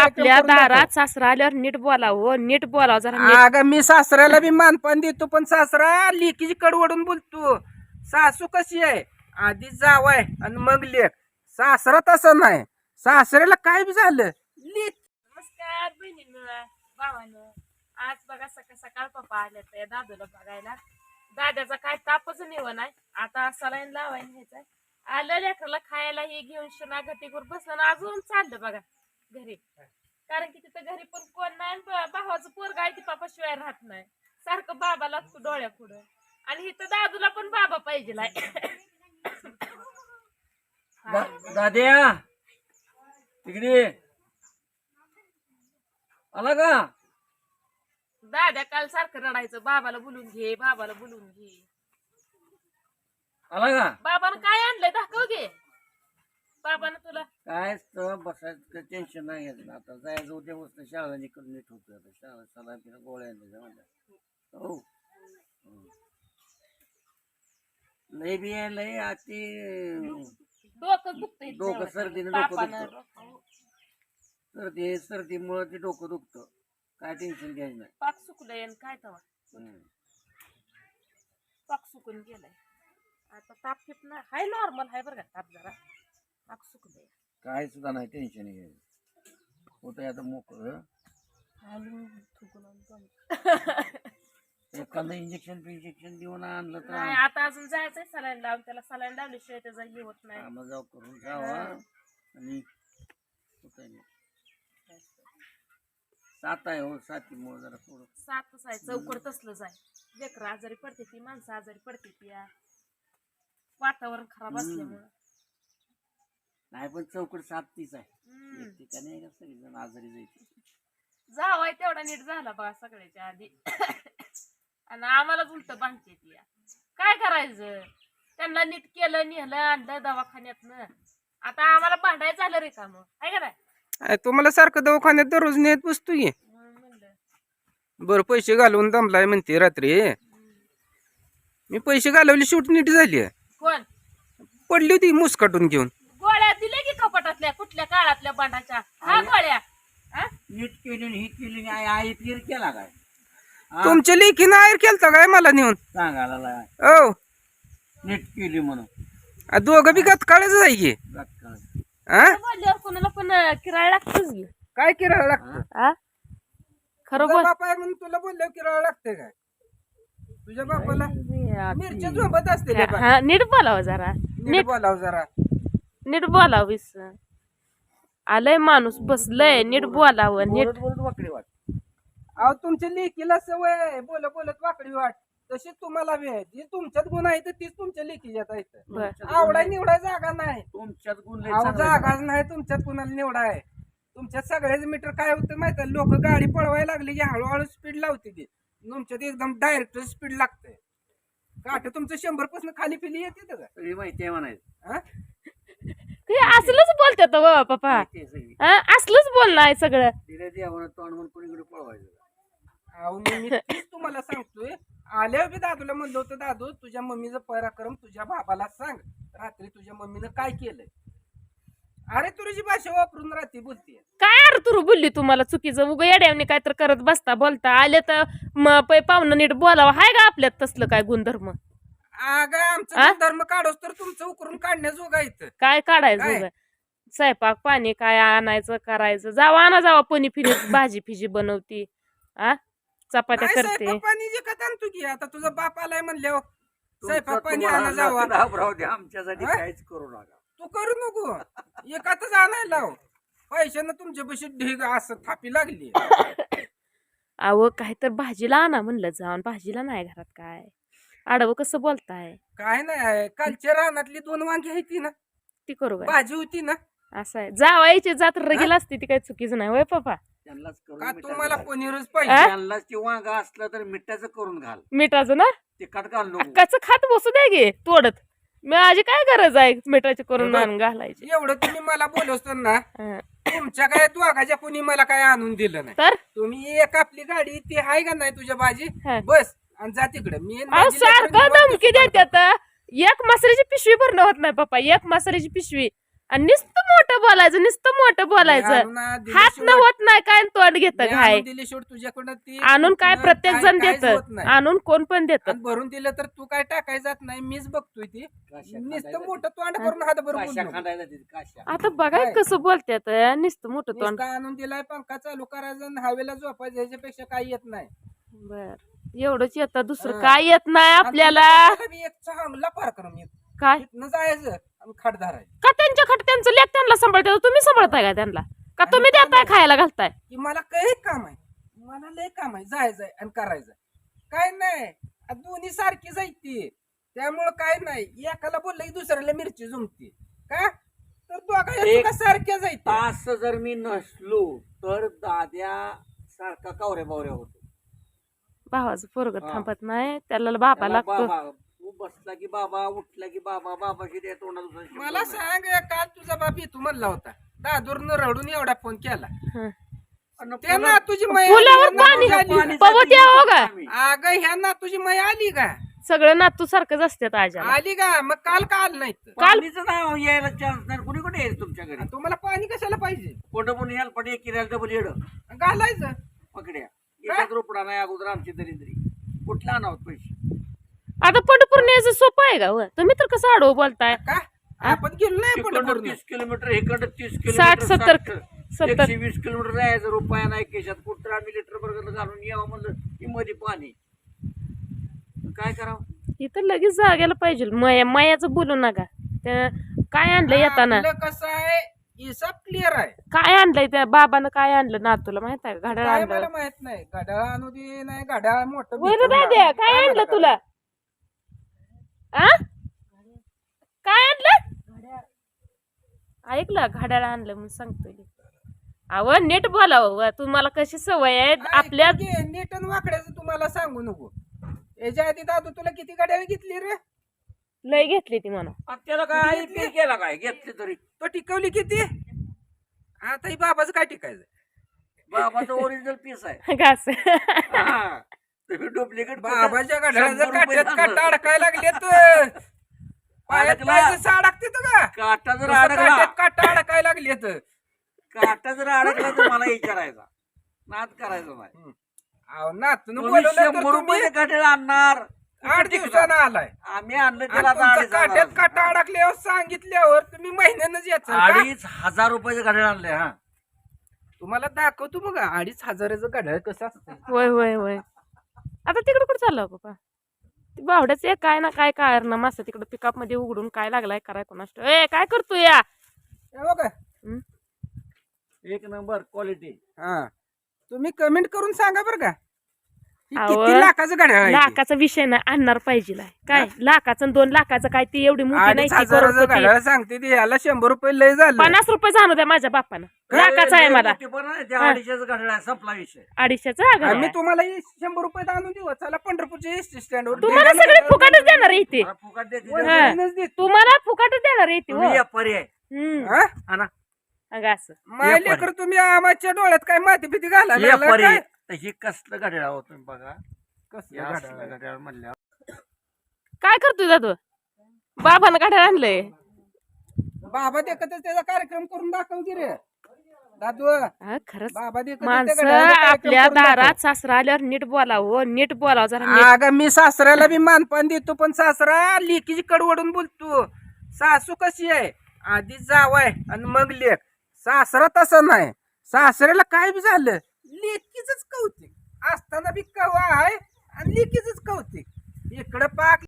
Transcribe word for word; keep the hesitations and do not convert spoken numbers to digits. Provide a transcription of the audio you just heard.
आपल्या दारात सासरा आल्यावर नीट बोलावं, नीट बोलावं जरा. अगं मी सासऱ्याला बी मानपान देतो, पण सासरा लेकीची कडवडून बोलतो. सासू कशी आहे, आधी जावाय आणि मग लेक. सासरा तसं नाही, सासऱ्याला काय बी झालं लेक. नमस्कार बहिणींनो, भावांनो. आज बघा सकाळ सकाळ पप्पा आले तर दादूला बघायला. दादाचा काय तापच निवण आहे. आता सलाईन लावायला न्यायचंय. आलं लेकराला खायला हे घेऊन शुना घटीवर बसलं अजून चाललं बघा घरी. कारण की तिथं घरी पण कोण नाही, भावाचं पोरगा आहे ती पापा शिवाय राहत नाही. सारखं बाबा लागतो डोळ्या पुढं. आणि इथं दादूला पण बाबा पाहिजे. दाद्या तिकडे आला का? दाद्या काल सारखं रडायचं, बाबाला बोलून घे, बाबाला बोलून घे. आला का? बाबानं काय आणलंय दाखव घे. बाबानं तुला काय बसायचं टेन्शन नाही घ्यायचं. आता जायचं उद्या वस्तू शाळा करून नीट होतं. आता शाळा सला तिला गोळ्या म्हणल्या हो लय बी लय अति डोकं दुखतंय डोकं सर्दीने डोकं दुखतं. सर्दी सर्दीमुळे ते डोकं दुखतं. काय टेन्शन घ्यायचं नाही. पाक सुकलंय आणि काय तवा पाक सुकून गेलाय. आता ताप फिट ना हाय, नॉर्मल हाय बरं का ताप जरा. पाक सुकलंय, काय सुद्धा नाही टेन्शन घ्यायचं. होतं आता मोकळं. एखादं इंजेक्शन इंजेक्शन देऊन आणलं तर नाही. आता अजून जायचंय सलाईन लावून. त्याला सलाईन लावल्याशिवाय त्याचा हे होत नाही. मग जाऊ करून जावा. आणि सात आहे हो, सातीमुळे जरा थोडं सातच आहे, चौकड तसलंच आहे. लेकरं आजारी पडते ती, माणसं आजारी पडते ती. वातावरण खराब असल्यामुळं नाही, पण चौकड सात तीच आहे. एक ठिकाणी सगळेजण आजारी जायचे. जावाय तेवढा नीट झाला बघा सगळ्याच्या आधी. आणि आम्हालाच उलट बांधते ती. काय करायचं, त्यांना नीट केलं, नेलं, आणलं दवाखान्यातनं. आता आम्हाला भांडायचं झालं रे का मग, आहे का नाही? तुम्हाला सारखं दवाखान्यात दररोज नेत बसतो की. बरं पैसे घालवून दमलाय म्हणते रात्री. मी पैसे घालवले, शूट नीट झाली. कोण पडली होती मुसकाटून घेऊन. गोळ्या दिल्या की कपाटातल्या कुठल्या काळातल्या बांधाच्या? हा गोळ्या नीट केली ही केली आई आई तीर केला काय? तुमच्या लेखीनं आयर केलता काय मला नेऊन सांगायला हो नीट केली म्हणून. दोघं बी गतकाळच आहे की. बोलल्यावर कोणाला पण किराया लागतच की. काय किराया लागतं? खरं तुझा बोल. बाप आहे म्हणून तुला बोलल्यावर किराया लागते काय? तुझ्या बापाला मिरच्या झोपत असते रे बा. हा, नीट बोलावं जरा, नीट बोलाव जरा. नीट बोलावीस. आलंय माणूस बसलंय, नीट बोलावं, नीट. वाकडी वाट. अहो तुमच्या लेकीला सवय आहे बोल बोलत वाकडी वाट. तशी तुम्हाला बी आहे. जी तुमच्यात गुण आहे तर तीच तुमच्या लेकीच्यात आहे. आवडाय निवडाय जागा नाही तुमच्यात गुण लय अहो चांगले जागाच नाही तुमच्यात कुणाला निवडाय. तुमच्यात सगळ्याच मीटर काय होतं माहिती आहे, लोक गाडी पळवायला लागली की हळूहळू स्पीड लावते ती. तुमच्यात एकदम डायरेक्ट स्पीड लागते. काठ तुमचं शंभर पासून खाली पिली येते का? सगळी माहिती आहे म्हणायचं. असलंच बोलतात हो पप्पा. माहिती आहे सगळी. असलंच बोलणं आहे सगळं. तिला द्यावं तोंड म्हणून कोणीकडे पळवायचं. अहो मी तेच तुम्हाला सांगतोय. आल्यावर बी दादूला म्हणलं होतं, दादू तुझ्या मम्मीचा पराक्रम तुझ्या बाबाला सांग. रात्री तुझ्या मम्मीनं काय केलंय. अरे तुझी भाषा वापरून रात्री बोलते. काय अरे तू बोलली तुम्हाला चुकीचं उगा येड्यावनी काय तर करत बसता बोलता. आले तर पाहुणं नीट बोलावं. हाय का आपल्यात तसलं काय गुणधर्म? अगं आमचं धर्म काढोस तर तुमचं उकरून काढण्याजोगा इथं. काय काढायचं? स्वयंपाक पाणी काय आणायचं करायचं. जावा आणा जावा, पनी फिरी भाजी फिजी बनवती, आ चपात्या करते. पाणी विकत आणतो की. आता तुझा बाप आलाय म्हणल्यावर स्वयंपाक पाणी आणा जावा. आमच्यासाठी काहीच करू नका. तू करू नको. एकातच आणायला लाव. पैशानं तुमच्या पैसे ढीग असं थापी लागली. अहो काही तर भाजीला आणा म्हणलं जाऊन. भाजीला नाही घरात काय. आडवं कसं बोलताय? काय नाही, कालच्या रानातली दोन वांगी होती ना, ती करू काय? भाजी होती ना. असं आहे, जावायची जात रगेल असते ती, काय चुकीचं नाही होय पप्पा? त्यांनाच का तुम्हाला करून पनीरच पाहिजे? त्यांनाच ते वांगा असलं तर मिठाचं करून घाल. मिठाचं ना? तिखट घाल नको. कच खात बसू द्या गे तोडत. माझी काय गरज आहे मिठाची करून आणून घालायची? एवढं तुम्ही मला बोलवतो ना, तुमच्या काय दोघाच्या कोणी मला काय आणून दिलं नाही. तर तुम्ही एक आपली गाडी ती आहे का नाही तुझ्या भाजी, बस आणि जा तिकडे. मी सारखं धमकी देतात. एक मसाल्याची पिशवी भरणं होत नाही पप्पा, एक मसाल्याची पिशवी आणि नुसतं मोठं बोलायचं नुसतं मोठं बोलायचं आणून दिली हात न शेवट- होत नाही काय तोंड घेत मी काय आणून दिली शेवट तुझ्याकडनं ती आणून काय कुठनं प्रत्येक काय- जण काहीच देत होत नाही. आणून कोण पण देत आणि भरून दिलं तर तू काय टाकाय जात नाही मीच बघतोय ती काश्या नुसतं खांदायला- मोठं तोंड करून हात भरून काश्या बोललो. खांदायला देते, काश्या. आता बघाय काय? कसं बोलतात नुसतं मोठं तोंड नुसतं आणून दिलाय पंखा चालू करायचा आणि हवेला झोपायचं ह्याच्यापेक्षा काही येत नाही बर एवढंच येतं दुसरं हा. काय येत नाही आपल्याला आणि तुला बी एक चांगला पारक्रम येतो काय इथनं जायचं आणि खाट धरायचं का त्यांच्या खट त्यांचं लेख त्यांना सांभाळतात तुम्ही सांभाळताय का त्यांना का तुम्ही देताय खायला घालताय की मला काही काम आहे मला लय काम आहे जायचंय आणि करायचंय काय नाही आ दोन्ही सारखी जायती त्यामुळं काय नाही एकाला बोललं की दुसऱ्याला मिरची जुमते का तर दोघा एक- सारख्या जायती तास जर मी नसलो तर दाद्या सारखा कावऱ्या बावऱ्या होतो. भावाचं पोरग हा. थांबत नाही त्याला बाबा त्याला लागतो बाबा तू बसला की बाबा उठला की बाबा बाबाशी त्या तोंडाला दुसरा शब्द मला नाही. सांग काल तुझा बाप येतो म्हणला होता दादूरनं रडून एवढा फोन केला हं. आणि त्या पुन्हा- ना तुझी मै फुलावर ह्या पाणी नातूची आली का? पवत यावं का आम्ही. अगं ह्या ना तुझी मै आली का सगळं नातू सारखंच असतात आज्याला आली का मग काल का आलं नाही तर? पाणीचं नाव यायला चान्स नाही कुणी कुठे यायचं तुमच्या घरी आणि तुम्हाला पाणी कशाला पाहिजे कोणतं पण याल पण एक किरायला डबल येड घालायचं पकड्या एकाच रुपडा नाही अगोदर आमची दरिद्री कुठला आणावत पैसे आता पंढरपूर न्यायचं सोपं आहे का हो? तुम्ही तर कसं आडवं बोलताय का आपण गेलो नाही तिकडं पंढरपूरला. तीस किलोमीटर इकडं तीस साठ, किलोमीटर सत्तर, साठ, सत्तर. एकशे वीस किलोमीटर जायचं रुपया नाही केशात कुठं आम्ही लिटर बर्गर घालून यावं म्हणलं की मध्ये पाणी काय करावं इथं लगेच जाग्याला पाहिजे मया मयाचं बोलू नका त्या काय आणलं येताना आपलं कसं आहे हिसाब क्लिअर आहे काय आणलंय त्या बाबानं काय आणलं ना तुला माहित आहे का घड्याळ काय आणलं मला माहित नाही घड्याळ आणू दे नाही घड्याळ मोठं होय रे भिजवून दाद्या आणू. काय मला आणलं काय? तुला आ काय आणलं ऐकलं घड्याळ आणलं म्हणून सांगतोय अव नीट बोलावं तुम्हाला कशी सवय आहे ऐक आपल्या की, नीट आणि वाकड्याचं तुम्हाला सांगू नको याच्या आधी दादू तुला किती घड्याळ घेतली रे लय घेतली ती म्हणा आणि त्याला काय आई पे केला काय घेतले तरी तो टिकवली किती आता ही बाबाचं काय टिकायचं बाबाचं ओरिजिनल पीस आहे घास हा. तुम्ही डुप्लिकेट बाबाच्या घड्याळाचं शंभर रुपये काट्यात झालं. काटा अडकायला लागले तर पायात अडकला. पायाचं अडकते का काटा जर तसं अडकला काट्यात काटा अडकायला लागले तर काटा जर अडकला तर मला विचारायचा नाद करायचा नाही अहो नातून तुम्ही बोलवलं तर शंभर तुम्ही रुपये घड्याळ आणणार आठ दिवसानं आलाय आम्ही आणलं आणि त्याला आता तुमचं अडीच काट्यात हजार. काटा अडकल्यावर सांगितल्यावर तुम्ही महिन्यानंच याचं का? अडीच हजार रुपयाचं घड्याळ आणले हा तुम्हाला दाखवतो मग अडीच हजाराचं घड्याळ कसं असतं होय होय होय आता तिकडे कुठं चाललं हो बाबा ती बावड्याच एक काय ना काय काय ना मासा तिकडे पिकअप मध्ये उघडून काय लागलाय कराय कोणास ए काय करतो या हे बघा हं? एक नंबर क्वालिटी हा तुम्ही कमेंट करून सांगा बरं का ही अहो, किती लाखाचं घड्याळ आहे ते? लाखाचा विषय नाही आणणार पाहिजे काय लाखाचं आणि दोन लाखाचं काय ती एवढी मोठी नाही अडीच ती हजाराचं करोडपती. घड्याळ सांगते ती याला शंभर रुपये लय झालं पन्नास रुपये जाणू द्या माझ्या बापानं लाखाचा आहे मला त्या हा. अडीचशेचं घड्याळ आहे संपला विषय अडीचशेचा आम्ही तुम्हाला हे शंभर रुपये आणून देऊ चला पंढरपूरच्या एस टी स्टँडवर तुम्हाला सगळे फुकाटच देणार आहे इथे मला फुकट देते वर तुम्ही जमीनच देतो. तुम्हाला फुकाटच देणार आहे इथे हो या पर्याय हम्म. हा? आणा अगं असं माय लेकर तुम्ही आम्हाच्या डोळ्यात काय माती भीती घालायला या लागला पर्याय काय? तर ही कसलं घड्याळ आहो तुम्ही बघा कसलं या घड्याळ असलं आहे? घड्याळ म्हणल्या काय करतोय दादू बाबानं काढायला आणलंय बाबा देखतच त्याचा कार्यक्रम करून दाखव की रे दादू हा, खरंच बाबा देखतच त्या माणसं घड्याळाचा कार्यक्रम आपल्या करून दाखव. दारात सासरा आल्यावर नीट बोलावं नीट बोलावं जरा नीट. अगं मी सासऱ्याला बी मानपान देतो पण सासरा लेकीची कडवडून बोलतो सासू कशी आहे आधी जावाय आणि मग लेख सासरा तसं नाही सासऱ्याला काय बी झालं लेकीच कौतिक असताना बी कवा आहे आणि लेकीच कौतिक इकडं पाक